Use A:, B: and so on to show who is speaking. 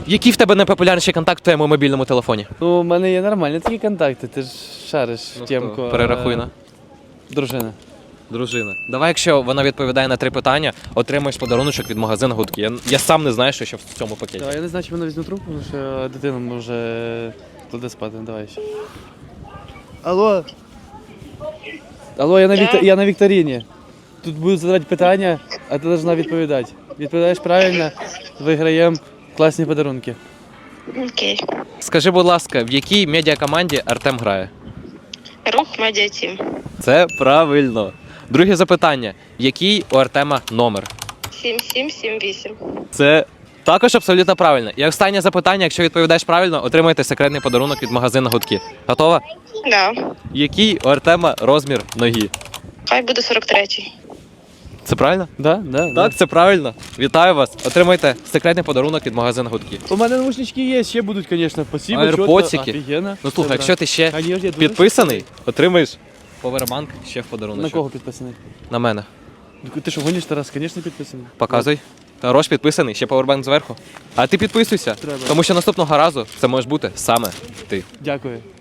A: Який в тебе найпопулярніший контакт в твоєму мобільному телефоні?
B: Ну, у мене є нормальні такі контакти, ти ж шариш темку.
A: Перерахуй на.
B: Дружина.
A: Дружина. Давай, якщо вона відповідає на 3 питання, отримаєш подаруночок від магазину Гудки. Я сам не знаю, що ще в цьому пакеті.
B: Я не знаю, чи вона візьме трубку, тому що дитина може туди спати. Давай ще. Алло. Алло, я на вікторині. Тут будуть задавати питання, а ти повинна відповідати. Відповідаєш правильно, виграємо класні подарунки.
C: Окей.
A: Скажи, будь ласка, в якій медіакоманді Артем грає?
C: Рух медіатім.
A: Це правильно. Друге запитання. Який у Артема номер?
C: 7778.
A: Це також абсолютно правильно. І останнє запитання, якщо відповідаєш правильно, отримаєте секретний подарунок від магазину Гудки. Готова?
C: Да.
A: Який у Артема розмір ноги?
C: Хай буде 43-й.
A: Це правильно?
B: Да?
A: Так, це правильно. Вітаю вас. Отримайте секретний подарунок від магазину Гудки.
B: У мене наушнички є, ще будуть, звісно. Спасибо,
A: Аерподсики.
B: Офігенно.
A: Ну слухай, якщо ти ще
B: Конечно, я дуже
A: підписаний, отримаєш повербанк ще в подарунок.
B: На кого підписаний?
A: На мене.
B: Ти що, гониш, Тарас? Звісно, підписаний.
A: Показуй. Рош підписаний, ще повербанк зверху. А ти підписуйся,
B: Треба.
A: тому що наступного разу це можеш бути саме ти.
B: Дякую.